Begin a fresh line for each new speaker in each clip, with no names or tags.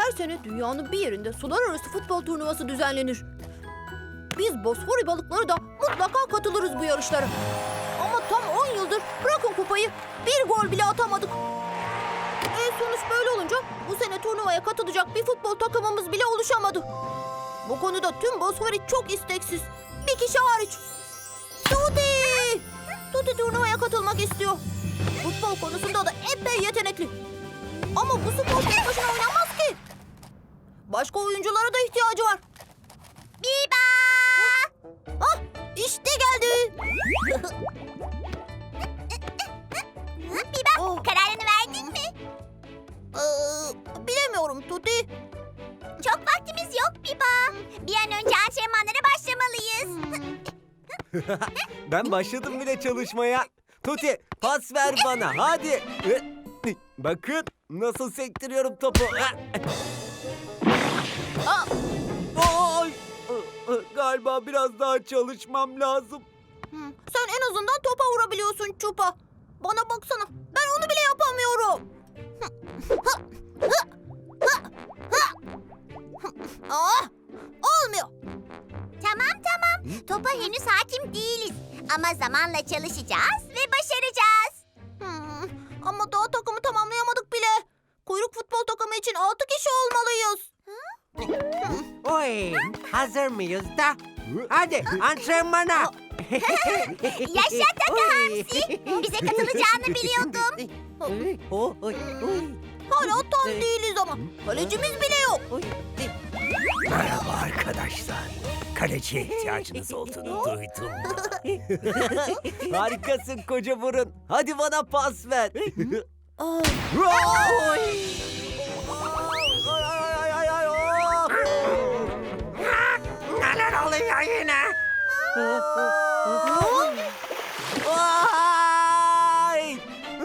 Her sene dünyanın bir yerinde sular arası futbol turnuvası düzenlenir. Biz Bosfori balıkları da mutlaka katılırız bu yarışlara. Ama tam 10 yıldır bırakın kupayı, bir gol bile atamadık. Sonuç böyle olunca bu sene turnuvaya katılacak bir futbol takımımız bile oluşamadı. Bu konuda tüm Bosfori çok isteksiz. Bir kişi hariç. Tuti! Tuti turnuvaya katılmak istiyor. Futbol konusunda da epey yetenekli. Ama bu spor tek başına oynanmaz ki. Başka oyunculara da ihtiyacı var. Biba! Ah, işte geldi.
Biba, kararını verdin mi?
Bilemiyorum Tuti.
Çok vaktimiz yok Biba. Bir an önce antrenmanlara başlamalıyız.
Ben başladım bile çalışmaya. Tuti pas ver bana hadi. Bakın nasıl sektiriyorum topu. Ay! Galiba biraz daha çalışmam lazım.
Sen en azından topa vurabiliyorsun Çupa. Bana baksana, ben onu bile yapamıyorum. Olmuyor.
Tamam. Topa henüz hakim değiliz. Ama zamanla çalışacağız ve başaracağız.
Ama daha takımı tamamlayamadık bile. Kuyruk futbol takımı için 6 kişi olmalıyız.
Oy, hazır mıyız da? Hadi antrenmana.
Yaşa Taka Hamsi. Bize katılacağını biliyordum.
Hala tam değiliz ama. Kalecimiz bile yok.
Merhaba arkadaşlar. Kaleciye ihtiyacınız olduğunu duydum.
Harikasın koca burun. Hadi bana pas ver.
Neler oluyor yine?
Ay!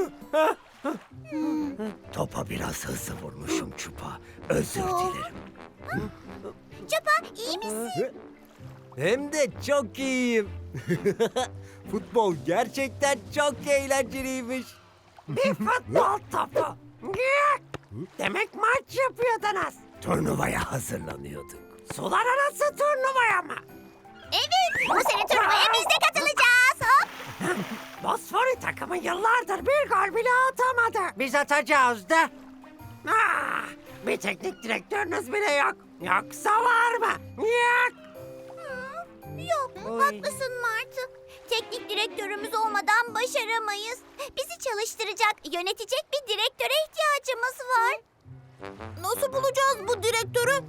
Topa biraz hızlı vurmuşum Çupa. Özür dilerim.
Çupa, iyi misin?
Hem de çok iyiyim. Futbol gerçekten çok eğlenceliymiş.
Bir futbol topu. Demek maç yapıyordunuz.
Turnuvaya hazırlanıyorduk.
Sular arası turnuvaya mı?
Evet, bu sene turnuvaya biz de katılacağız. Hop.
Bosfori takımı yıllardır bir gol bile atamadı. Biz atacağız da. Bir teknik direktörünüz bile yok. Yoksa var mı? Yok.
Yok, haklısın Martı. Teknik direktörümüz olmadan başaramayız. Bizi çalıştıracak, yönetecek bir direktöre ihtiyacımız var.
Nasıl bulacağız bu direktörü?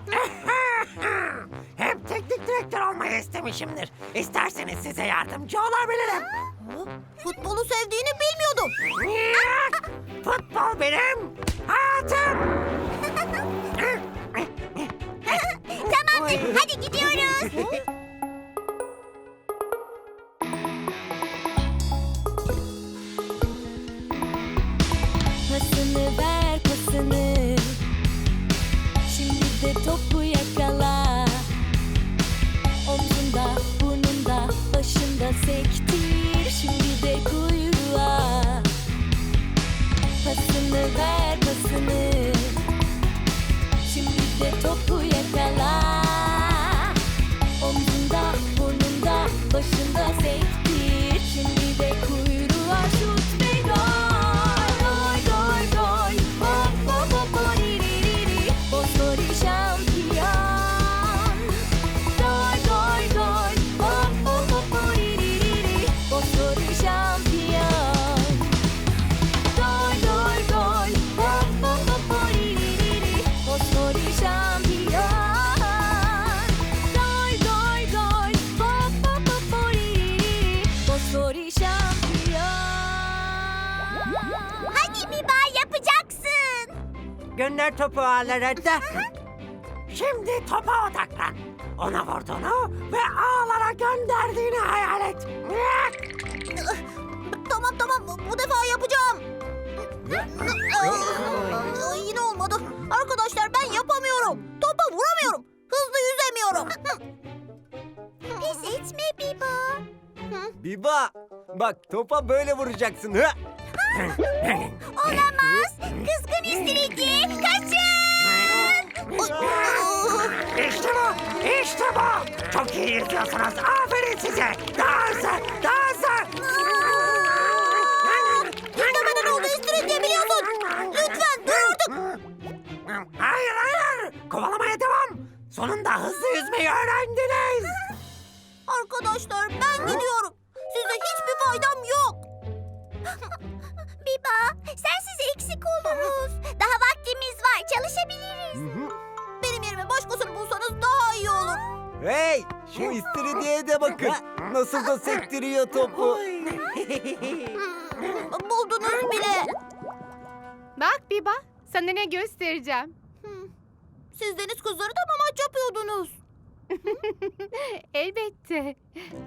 Hep teknik direktör olmayı istemişimdir. İsterseniz size yardımcı olabilirim.
Futbolu sevdiğini bilmiyordum.
Yok. Futbol benim hayatım.
Tamamdır, hadi gidiyoruz.
Pasını ver pasını, şimdi de topu yakala. Omzunda, burnunda, başında sektir, şimdi de kuyruğa. Pasını ver pasını, şimdi de topu yakala. Omzunda, burnunda, başında sektir, şimdi de kuyruğa şut ve gol. Gol, gol, gol, hop, hop, hop, oririri, Bosfori şampiyon. Gol, gol, gol, hop, hop, hop, oririri, Bosfori şampiyon. Gol, gol, gol, hop, hop, hop, oririri, Bosfori şampiyon. Gol, gol, gol, hop, hop, hop, oririri, Bosfori şampiyon.
Hadi Biba, yapacaksın.
Gönder topu ağlara da. Şimdi topa odaklan. Ona vurduğunu ve ağlara gönderdiğini hayal et.
Tamam, bu defa yapacağım. Yine olmadı. Arkadaşlar ben yapamıyorum. Topa vuramıyorum. Hızlı yüzemiyorum.
Pes etme Biba.
Biba, bak topa böyle vuracaksın.
Olamaz. Kızgın üstünlüğü. Kaçın.
Çok iyi yüzüyorsunuz. Aferin size. Daha hızlı, daha hızlı.
Yüzlemeden oldu İstiridye biliyorsun. Lütfen dur artık.
Hayır, hayır. Kovalamaya devam. Sonunda hızlı yüzmeyi öğrendiniz.
Arkadaşlar ben gidiyorum. Size hiçbir faydam yok. Biba, sensiz eksik oluruz. Daha vaktimiz var, çalışabiliriz. Benim yerime başkasını bulsanız daha iyi olur.
Hey, şu istiridyeye de bakın. Nasıl da sektiriyor topu.
Buldunuz bile.
Bak Biba, sana ne göstereceğim.
Siz deniz kızları da mı maç yapıyordunuz?
Elbette.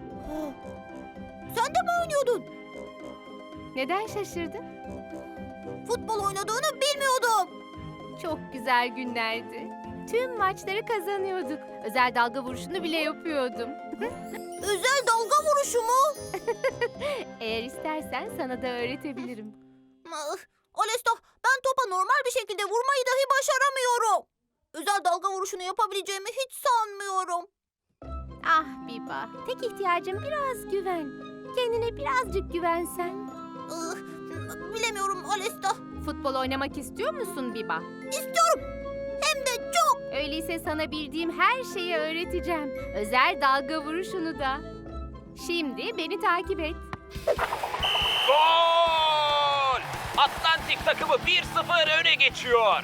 Sen de mi oynuyordun?
Neden şaşırdın?
Futbol oynadığını bilmiyordum.
Çok güzel günlerdi. Tüm maçları kazanıyorduk. Özel dalga vuruşunu bile yapıyordum.
Özel dalga vuruşu mu?
Eğer istersen sana da öğretebilirim.
Alesta, ben topa normal bir şekilde vurmayı dahi başaramıyorum. Özel dalga vuruşunu yapabileceğimi hiç sanmıyorum.
Ah Biba, tek ihtiyacım biraz güven. Kendine birazcık güvensen.
Bilemiyorum Alesta.
Futbol oynamak istiyor musun Biba?
İstiyorum. Hem de çok.
Öyleyse sana bildiğim her şeyi öğreteceğim. Özel dalga vuruşunu da. Şimdi beni takip et.
Gol! Atlantik takımı 1-0 öne geçiyor.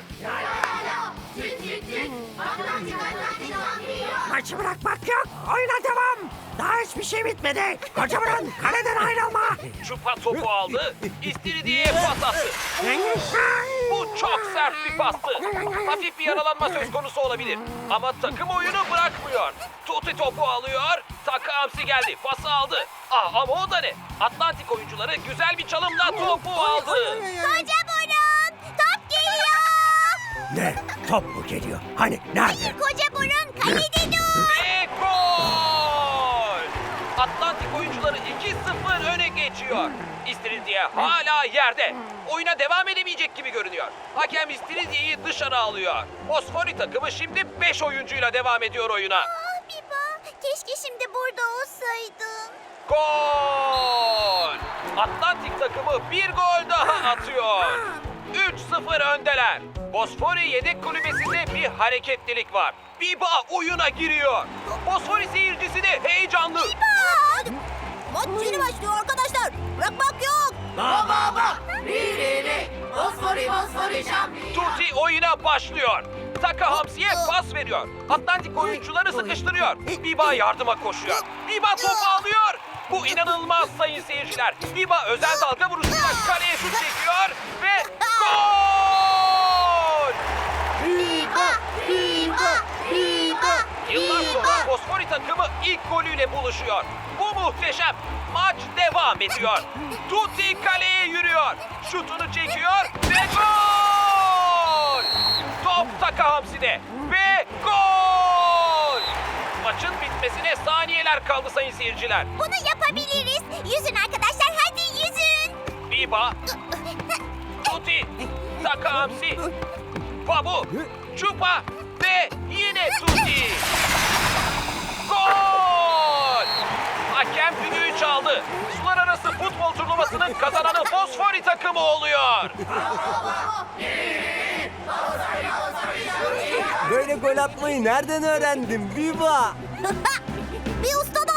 Maçı bırakmak yok. Oyuna devam. Daha hiçbir şey bitmedi. Koca burun, kaleden ayrılma.
Çupa topu aldı, İstiridye'ye pas attı. Bu çok sert bir pastı. Hafif bir yaralanma söz konusu olabilir. Ama takım oyunu bırakmıyor. Tuti topu alıyor, Taka Hamsi geldi, pası aldı. Ama o da ne? Atlantik oyuncuları güzel bir çalımla topu aldı.
Koca burun, top geliyor.
Ne? Top mu geliyor? Hani nerede?
Koca burun, kalede dur.
Ve gol! Atlantik oyuncuları 2-0 öne geçiyor. İstiridye hala yerde. Oyuna devam edemeyecek gibi görünüyor. Hakem İstiridye'yi dışarı alıyor. Fosfori takımı şimdi 5 oyuncuyla devam ediyor oyuna.
Ah Biba, keşke şimdi burada olsaydın.
Gol! Atlantik takımı bir gol daha atıyor. 3-0 öndeler. Fosfori yedek kulübesinde bir hareketlilik var. Biba oyuna giriyor. Fosfori seyircisi de heyecanlı.
Hadi. Maç yeni başlıyor arkadaşlar. Bırakmak yok.
Tuti oyuna başlıyor. Taka Hamsi'ye pas veriyor. Atlantik oyuncuları sıkıştırıyor. Biba yardıma koşuyor. Biba topu alıyor. Bu inanılmaz sayın seyirciler. Biba özel dalga vuruşuyla kaleye şut çekiyor ve gol! Yıllar sonra Fosfori takımı ilk golüyle buluşuyor. Bu muhteşem. Maç devam ediyor. Tuti kaleye yürüyor. Şutunu çekiyor ve gol! Top Taka Hamsi'de ve gol! Maçın bitmesine saniyeler kaldı sayın seyirciler.
Bunu yapabiliriz. Yüzün arkadaşlar, hadi yüzün.
Biba, Tuti, Taka Hamsi, Babu, Çupa ve yine Tuti. Gol! Hakem düdüğü çaldı. Sular arası futbol turnuvasının kazananı Fosfori takımı oluyor.
Böyle gol atmayı nereden öğrendin Biba?
Bir ustadan.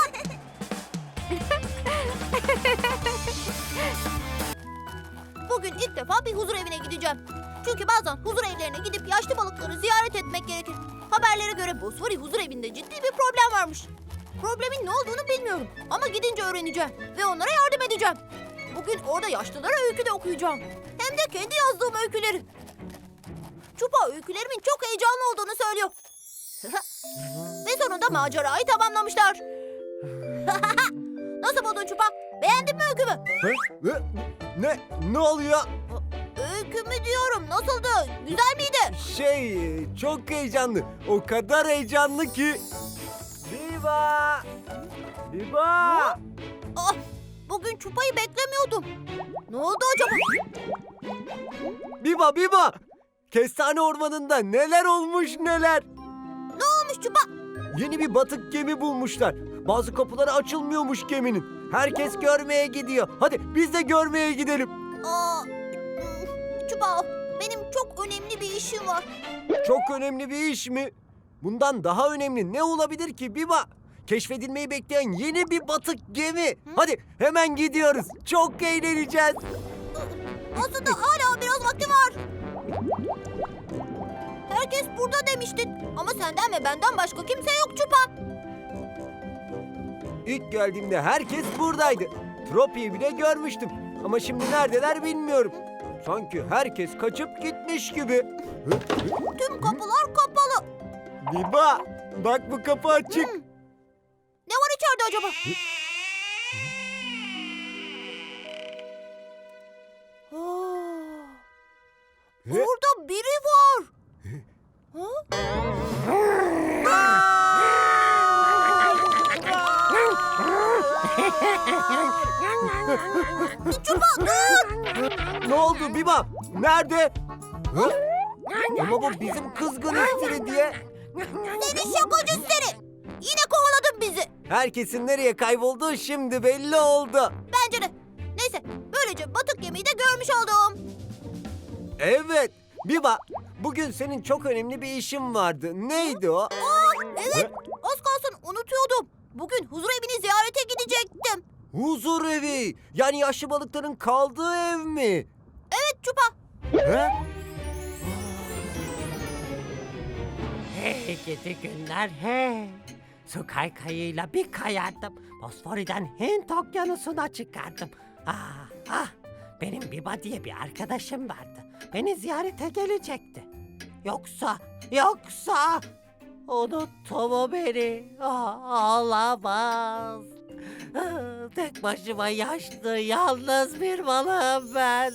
Bugün ilk defa bir huzur evine gideceğim. Çünkü bazen huzur evlerine gidip yaşlı balıkları ziyaret etmek gerekir. Haberlere göre Bosfori huzur evinde ciddi bir problem varmış. Problemin ne olduğunu bilmiyorum ama gidince öğreneceğim ve onlara yardım edeceğim. Bugün orada yaşlılara öykü de okuyacağım. Hem de kendi yazdığım öyküleri. Çupa öykülerimin çok heyecanlı olduğunu söylüyor. Ve sonunda macerayı tamamlamışlar. Nasıl buldun Çupa? Beğendin mi öykümü?
Ne oluyor?
Öykümü diyorum. Nasıldı? Güzel miydi?
Çok heyecanlı. O kadar heyecanlı ki. Biba! Biba!
Ah, bugün Çupa'yı beklemiyordum. Ne oldu acaba?
Biba! Kestane ormanında neler olmuş neler.
Ne olmuş Çupa?
Yeni bir batık gemi bulmuşlar. Bazı kapıları açılmıyormuş geminin. Herkes görmeye gidiyor. Hadi biz de görmeye gidelim.
Çupa, benim çok önemli bir işim var.
Çok önemli bir iş mi? Bundan daha önemli ne olabilir ki Biba? Keşfedilmeyi bekleyen yeni bir batık gemi. Hadi hemen gidiyoruz. Çok eğleneceğiz.
Aslında hala biraz vakti var. Herkes burada demiştin. Ama senden ve benden başka kimse yok Çupa.
İlk geldiğimde herkes buradaydı. Tropi'yi bile görmüştüm. Ama şimdi neredeler bilmiyorum. Sanki herkes kaçıp gitmiş gibi.
Tüm kapılar kapalı.
Biba, bak bu kapı açık.
Ne var içeride acaba? Burada biri var. Çupa dur.
Ne oldu Biba? Nerede? Hı? Ama bu bizim kızgın istiridye.
Seni şakacı seni. Yine kovaladın bizi.
Herkesin nereye kaybolduğu şimdi belli oldu.
Bence de. Neyse böylece batık gemiyi de görmüş oldum.
Evet. Biba, bugün senin çok önemli bir işin vardı. Neydi o?
Evet, az kalsın unutuyordum. Bugün huzur evini ziyarete gidecektim.
Huzur evi. Yani yaşlı balıkların kaldığı ev mi?
Evet Çupa.
He?
Hey gidi günler hey. Su kaykayıyla bir kayardım. Bosfori'den Hint okyanusuna çıkardım. Benim Biba diye bir arkadaşım vardı. Beni ziyarete gelecekti. Yoksa unuttu mu beni? Olamaz. Tek başıma yaşlı, yalnız bir balığım ben.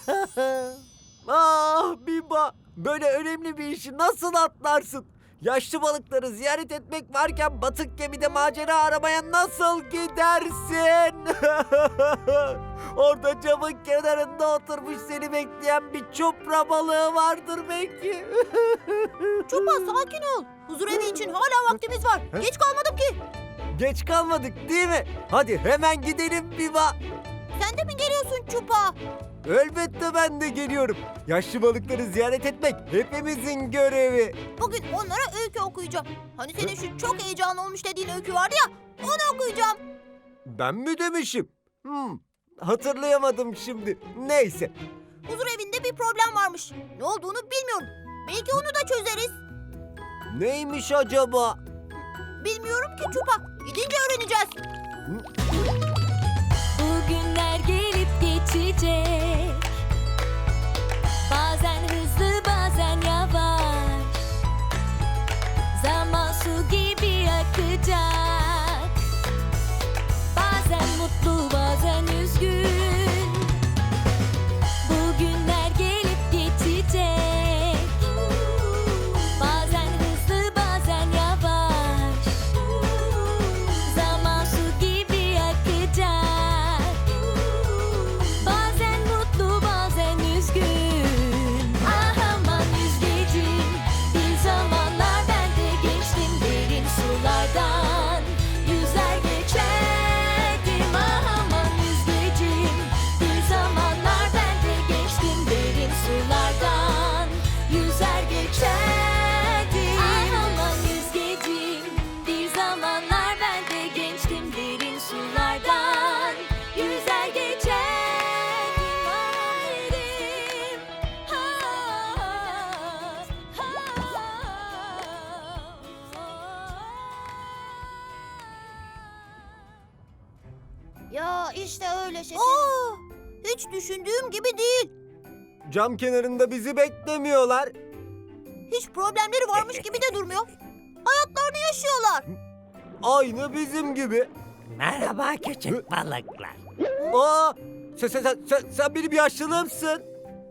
Ah Biba, böyle önemli bir işi nasıl atlarsın? Yaşlı balıkları ziyaret etmek varken batık gemide macera aramaya nasıl gidersin? Orada camın kenarında oturmuş seni bekleyen bir çupra balığı vardır belki.
Çupa sakin ol. Huzur evi için hala vaktimiz var. Geç kalmadım ki.
Geç kalmadık değil mi? Hadi hemen gidelim Biba.
Sen de mi geliyorsun Çupa?
Elbette ben de geliyorum. Yaşlı balıkları ziyaret etmek hepimizin görevi.
Bugün onlara öykü okuyacağım. Hani senin şu çok heyecanlı olmuş dediğin öykü vardı ya. Onu okuyacağım.
Ben mi demişim? Hatırlayamadım şimdi. Neyse.
Huzur evinde bir problem varmış. Ne olduğunu bilmiyorum. Belki onu da çözeriz.
Neymiş acaba?
Bilmiyorum ki Çupa. Gidince öğreneceğiz.
Bugünler gelip geçecek. Bazen hızlı bazen yavaş. Zaman su gibi akacak. Bazen mutlu bazen üzgün. Bugünler gelip geçecek. Bazen hızlı bazen yavaş. Zaman su gibi akacak. Bazen mutlu bazen üzgün. Ah aman yüzgecim. Bir zamanlar ben de geçtim derin sulardan. Yüzer geçerdim. Ah aman yüzgecim. Bir zamanlar ben de geçtim derin sulardan. Yüzer geçerdim. Ah aman yüzgecim. Bir zamanlar ben de geçtim derin sulardan. Yüzer geçerdim. Ah derim.
Ya işte öyle şekerim. Hiç düşündüğüm gibi değil.
Cam kenarında bizi beklemiyorlar.
Hiç problemleri varmış gibi de durmuyor. Hayatlarını yaşıyorlar.
Aynı bizim gibi.
Merhaba küçük balıklar.
Aa, sen benim yaşlılığımsın.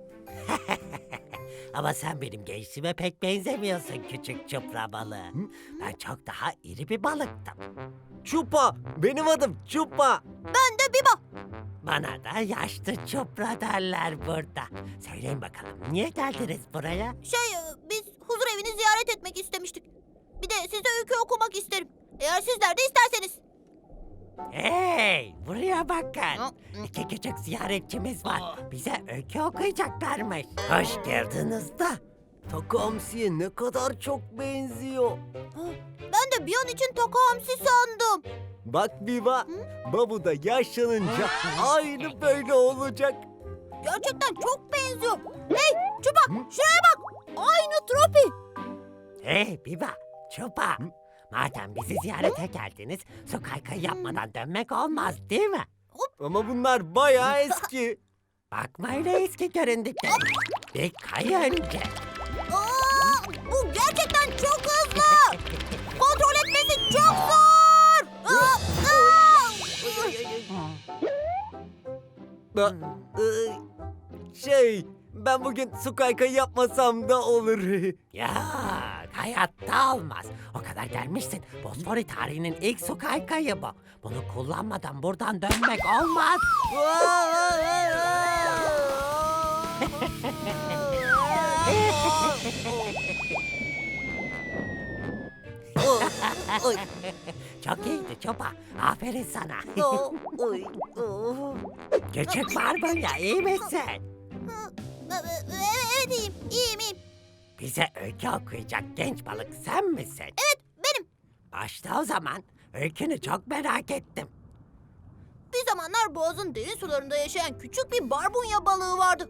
Ama sen benim gençliğime pek benzemiyorsun küçük çupra balığı. Ben çok daha iri bir balıktım.
Çupa, benim adım Çupa.
Ben de Biba.
Bana da yaşlı çupra derler burada. Söyleyin bakalım niye geldiniz buraya?
Biz huzur evini ziyaret etmek istemiştik. Bir de size öykü okumak isterim. Eğer sizler de isterseniz.
Hey, buraya bakın. İki küçük ziyaretçimiz var. Bize öykü okuyacaklarmış. Hoş geldiniz de.
Taka Hamsi'ye ne kadar çok benziyor.
Ben de bir an için Taka Hamsi sandım.
Bak Biba, Babu da yaşlanınca aynı böyle olacak.
Gerçekten çok benziyor. Hey Çupa şuraya bak. Aynı Tropi.
Hey Biba, Çupa. Madem bizi ziyarete geldiniz, su kaykayı yapmadan dönmek olmaz değil mi?
Ama bunlar bayağı eski.
Bakma öyle eski göründükleri. Bir kay önce.
Aa, bu gerçekten çok hızlı. Kontrol etmesi çok zor.
Ben bugün su kaykayı yapmasam da olur.
Ya hayatta olmaz. O kadar gelmişsin. Bosfori tarihinin ilk su kaykayı bu. Bunu kullanmadan buradan dönmek olmaz. Çok iyiydi Çopa. Aferin sana. Küçük barbunya iyi misin?
Evet iyiyim, iyiyim.
Bize öykü okuyacak genç balık sen misin?
Evet benim.
Başla o zaman. Öykünü çok merak ettim.
Bir zamanlar boğazın derin sularında yaşayan küçük bir barbunya balığı vardı.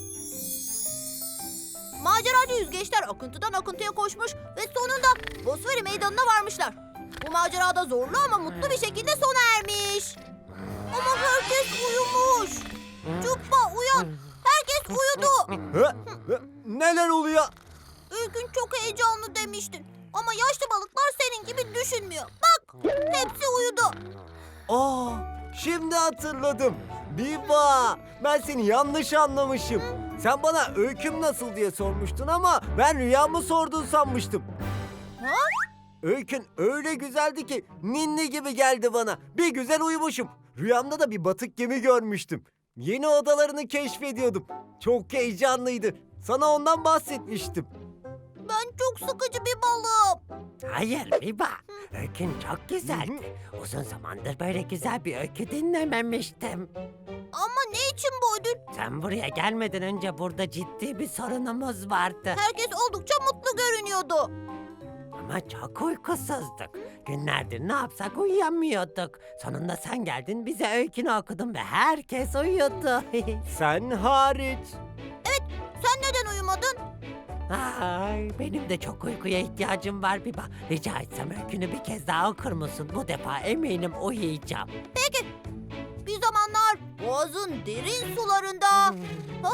Maceracı yüzgeçler akıntıdan akıntıya koşmuş ve sonunda Bosfori meydanına varmışlar. Bu macerada zorlu ama mutlu bir şekilde sona ermiş. Ama herkes uyumuş. Çupa uyan. Herkes uyudu.
Neler oluyor?
Ülkün çok heyecanlı demiştin. Ama yaşlı balıklar senin gibi düşünmüyor. Bak hepsi uyudu.
Aa, şimdi hatırladım. Biba, ben seni yanlış anlamışım. Sen bana öyküm nasıl diye sormuştun ama ben rüyamı sordun sanmıştım.
Ha?
Öykün öyle güzeldi ki ninni gibi geldi bana. Bir güzel uyumuşum. Rüyamda da bir batık gemi görmüştüm. Yeni odalarını keşfediyordum. Çok heyecanlıydı. Sana ondan bahsetmiştim.
Ben çok sıkıcı bir balığım.
Hayır Biba. Öykün çok güzeldi. Uzun zamandır böyle güzel bir öykü dinlememiştim.
Ama ne için bu ödül?
Sen buraya gelmeden önce burada ciddi bir sorunumuz vardı.
Herkes oldukça mutlu görünüyordu.
Ama çok uykusuzduk. Günlerdir ne yapsak uyuyamıyorduk. Sonunda sen geldin bize öykünü okudun ve herkes uyudu.
Sen hariç.
Sen neden uyumadın?
Ay, benim de çok uykuya ihtiyacım var Biba. Rica etsem öykünü bir kez daha okur musun? Bu defa eminim uyuyacağım.
Bir zamanlar boğazın derin sularında... Ha?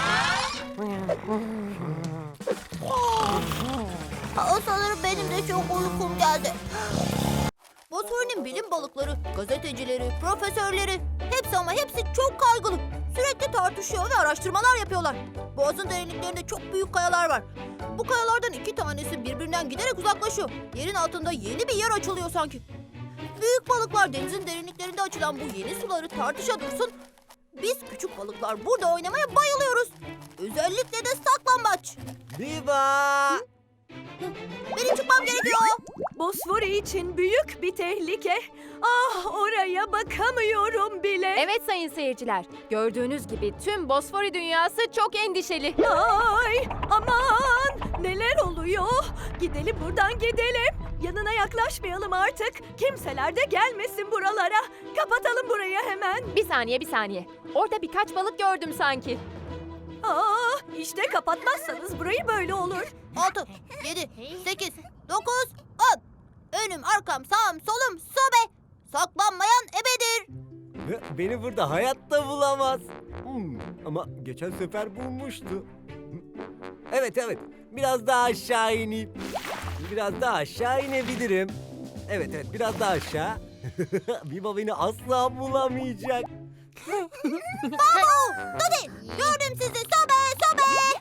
Sanırım benim de çok uykum geldi. Bosfor'un bilim balıkları, gazetecileri, profesörleri hepsi ama hepsi çok kaygılı. Sürekli tartışıyor ve araştırmalar yapıyorlar. Boğazın derinliklerinde çok büyük kayalar var. Bu kayalardan 2 tanesi birbirinden giderek uzaklaşıyor. Yerin altında yeni bir yer açılıyor sanki. Büyük balıklar denizin derinliklerinde açılan bu yeni suları tartışa dursun. Biz küçük balıklar burada oynamaya bayılıyoruz. Özellikle de saklambaç.
Biba!
Benim çıkmam gerekiyor.
Bosfori için büyük bir tehlike. Ah, oraya bakamıyorum bile.
Evet sayın seyirciler, gördüğünüz gibi tüm Bosfori dünyası çok endişeli.
Ay, aman, neler oluyor? Gidelim buradan gidelim. Yanına yaklaşmayalım artık. Kimseler de gelmesin buralara. Kapatalım burayı hemen.
Bir saniye. Orada birkaç balık gördüm sanki.
İşte kapatmazsanız burayı böyle olur.
6, 7, 8, 9, 10. Önüm, arkam, sağım, solum, sobe. Saklanmayan ebedir.
Beni burada hayatta bulamaz. Ama geçen sefer bulmuştu. Evet. Biraz daha aşağı ineyim. Biraz daha aşağı inebilirim. Evet, biraz daha aşağı. Biba beni asla bulamayacak.
Babu, Dodi, gördüm sizi. Sobe.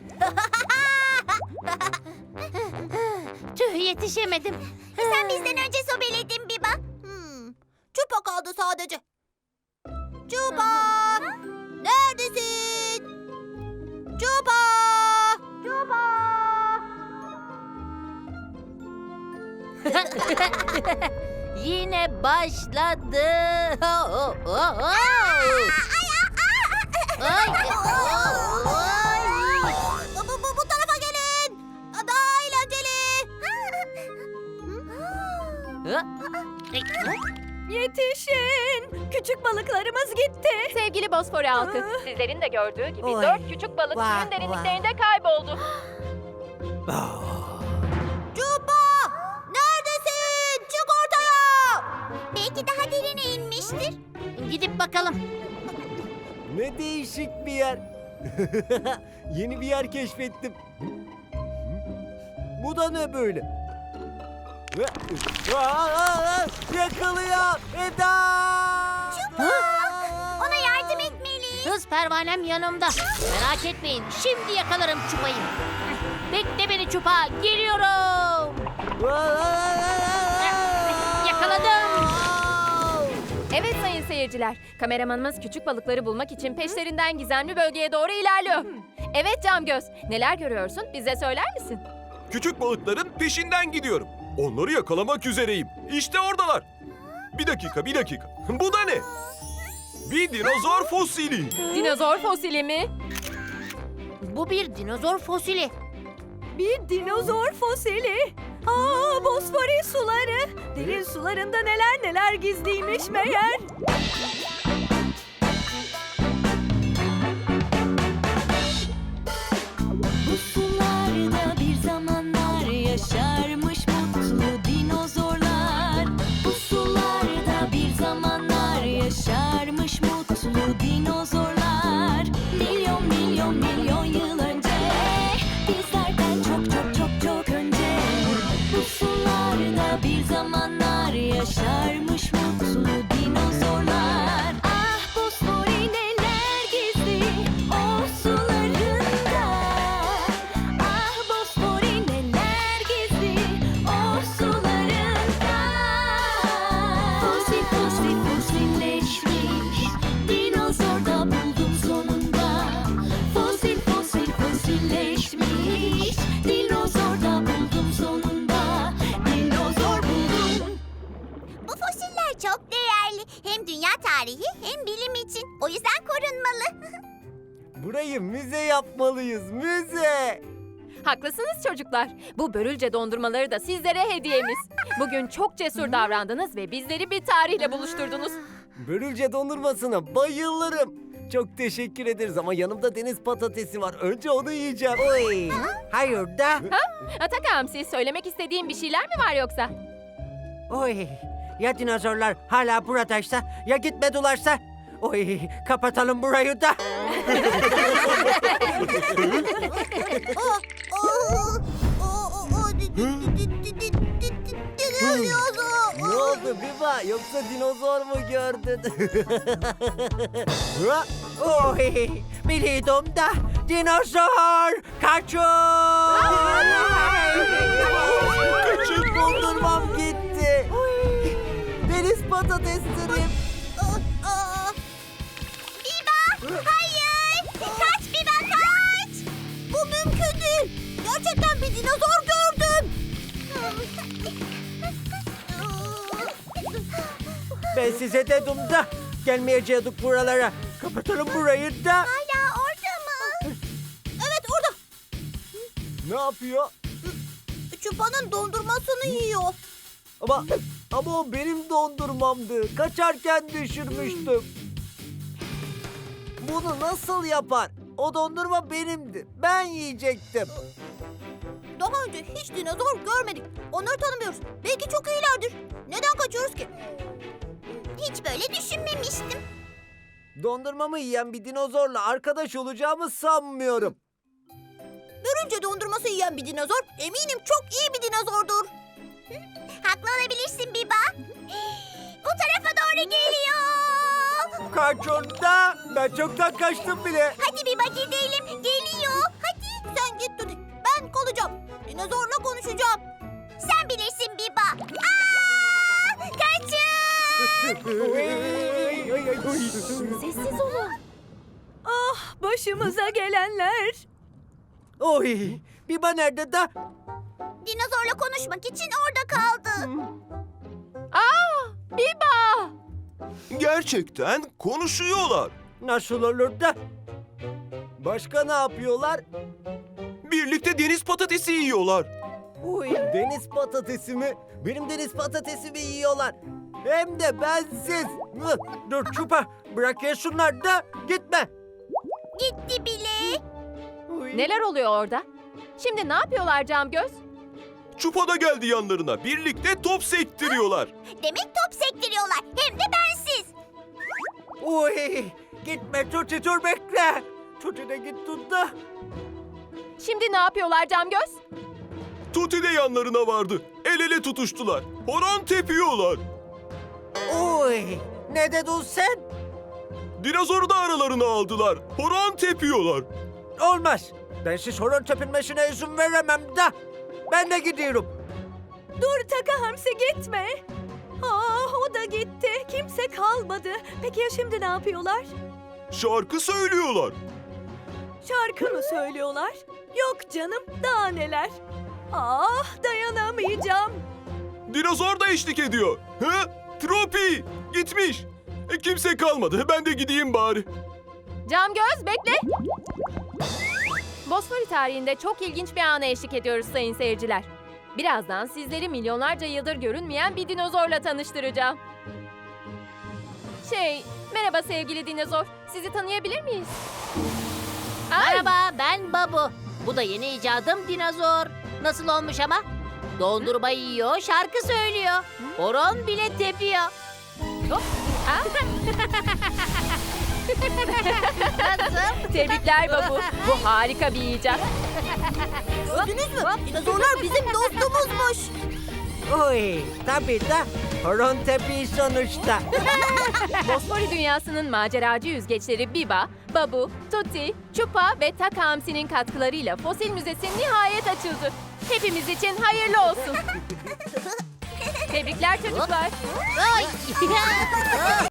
Tüh, yetişemedim. Sen bizden önce sobeledin Biba. Çupa kaldı sadece. Çupa! Neredesin? Çupa! Yine başladı. Bu tarafa gelin. Daha eğlenceli.
Yetişin! Küçük balıklarımız gitti.
Sevgili Bosfor halkı, sizlerin de gördüğü gibi
Oy.
4 küçük balık
Vah,
suyun derinliklerinde kayboldu.
Cuba! Neredesin? Çık ortaya! Belki daha derine inmiştir. Gidip bakalım.
Ne değişik bir yer. Yeni bir yer keşfettim. Bu da ne böyle? Yakalıyor Eda!
Ona yardım etmeliyiz. Kız pervanem yanımda. Merak etmeyin. Şimdi yakalarım Çupa'yı. Bekle beni Çupa. Geliyorum. Yakaladım.
Evet sayın seyirciler, kameramanımız küçük balıkları bulmak için peşlerinden gizemli bölgeye doğru ilerliyor. Evet Camgöz, neler görüyorsun? Bize söyler misin?
Küçük balıkların peşinden gidiyorum. Onları yakalamak üzereyim. İşte oradalar. Bir dakika. Bu da ne? Bir dinozor fosili.
Dinozor fosili mi?
Bu bir dinozor fosili.
Bir dinozor fosili. Aa, Bosfori suları. Derin sularında neler gizliymiş meğer. Bu sularda bir zamanlar yaşarmış mutlu dinozorlar. Bu sularda bir zamanlar yaşarmış mutlu dinozorlar. Milyon yıl önce, bizlerden çok önce. Bu sularda bir zamanlar yaşarmış mutlu dinozorlar. Ah Bosfori neler gizli o sularında. Ah Bosfori neler gizli o sularında. Fosilleşmiş dinozor da buldum sonunda. Fosilleşmiş dinozor da buldum sonunda. Dinozor buldum.
Bu fosiller çok değerli. Hem dünya tarihi hem bilim için. O yüzden korunmalı.
Burayı müze yapmalıyız, müze.
Haklısınız çocuklar. Bu börülce dondurmaları da sizlere hediyemiz. Bugün çok cesur davrandınız ve bizleri bir tarihle buluşturdunuz.
Börülce dondurmasına bayılırım. Çok teşekkür ederiz ama yanımda deniz patatesi var. Önce onu yiyeceğim.
Oy. Hayır da.
Ataka Hamsi, söylemek istediğin bir şeyler mi var yoksa?
Oy. Ya dinozorlar hala buradaysa ya gitmedilerse. Oy. Kapatalım burayı da.
Ne oldu Biba? Yoksa dinozor mu gördün?
Oy. Biliyordum da. Dinozor. Kaçın.
Küçük dondurmam gitti. Deniz patateslerim.
Biba! Hayır! Kaç Biba kaç! Bu mümkün değil. Gerçekten bir dinozor gördüm.
Ben size dedim da. Gelmeyecektik buralara. Kapatalım burayı da.
Hala orada mı? Evet orada.
Ne yapıyor?
Çupa'nın dondurmasını yiyor.
Ama o benim dondurmamdı. Kaçarken düşürmüştüm. Bunu nasıl yapar? O dondurma benimdi. Ben yiyecektim.
Daha önce hiç dinozor görmedik. Onları tanımıyoruz. Belki çok iyilerdir. Neden kaçıyoruz ki? Hiç böyle düşünmemiştim.
Dondurmamı yiyen bir dinozorla arkadaş olacağımı sanmıyorum.
Börülce dondurması yiyen bir dinozor eminim çok iyi bir dinozordur. Haklı olabilirsin Biba. Bu tarafa doğru geliyor.
Kaçın da. Ben çoktan kaçtım bile.
Hadi Biba gidelim. Geliyor. Hadi. Sen git Dudik. Ben kalacağım. Dinozorla konuşacağım. Sen bilirsin Biba. Aa! Kaçın.
Sessiz olun.
Ah başımıza gelenler.
Oy. Biba nerede da?
Dinozorla konuşmak için orada kaldı.
gerçekten konuşuyorlar.
Nasıl olur da? Başka ne yapıyorlar?
Birlikte deniz patatesi yiyorlar.
Uy, deniz patatesi mi? Benim deniz patatesimi yiyorlar. Hem de bensiz. Dur Çupa, bırak yesinler de gitme.
Gitti bile.
Uy.
Neler oluyor orada? Şimdi ne yapıyorlar Camgöz?
Çupa da geldi yanlarına. Birlikte top sektiriyorlar.
Demek top sektiriyorlar. Hem de bensiz.
Uy, gitme Tuti, dur bekle. Tuti de git tut da.
Şimdi ne yapıyorlar Camgöz?
Tuti de yanlarına vardı. El ele tutuştular. Horon tepiyorlar.
Uy, ne dedin sen?
Dinozoru da aralarına aldılar. Horon tepiyorlar.
Olmaz. Ben siz horon tepinmesine izin veremem de. Ben de gidiyorum.
Dur Taka Hamsi gitme. O da gitti. Kimse kalmadı. Peki ya şimdi ne yapıyorlar?
Şarkı söylüyorlar.
Şarkı mı söylüyorlar? Yok canım, daha neler. Dayanamayacağım.
Dinozor da eşlik ediyor. He? Tropi gitmiş. Kimse kalmadı. Ben de gideyim bari.
Camgöz bekle. Bosfori tarihinde çok ilginç bir ana eşlik ediyoruz sayın seyirciler. Birazdan sizleri milyonlarca yıldır görünmeyen bir dinozorla tanıştıracağım. Merhaba sevgili dinozor. Sizi tanıyabilir miyiz? Ay,
Merhaba, ben Babu. Bu da yeni icadım dinozor. Nasıl olmuş ama? Dondurma yiyor, şarkı söylüyor. Horon bile tepiyor. Nasıl?
Tebrikler Babu. Bu harika bir icat.
Gördünüz mü? Dinozorlar bizim dostumuzmuş.
Uy, tabii de horon tepiği sonuçta.
Bosfori dünyasının maceracı yüzgeçleri Biba, Babu, Tuti, Çupa ve Taka Hamsi'nin katkılarıyla Fosil Müzesi nihayet açıldı. Hepimiz için hayırlı olsun. Tebrikler çocuklar.
Ay.